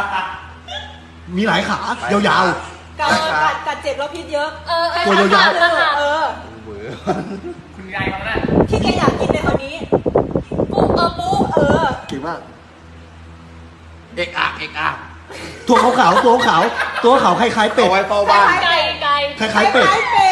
มีหลายขายาวกัดเจ็บแล้วพิษเยอะตัวยาวเบื่อคุณยายเขาเนี่ยที่แกอยากกินในวันนี้ปูๆเก่งมากเอกอะตัวขาวๆตัวขาวคล้ายๆเป็ดเอาไว้เฝ้าบ้านไก่คล้ายๆเป็ดเป็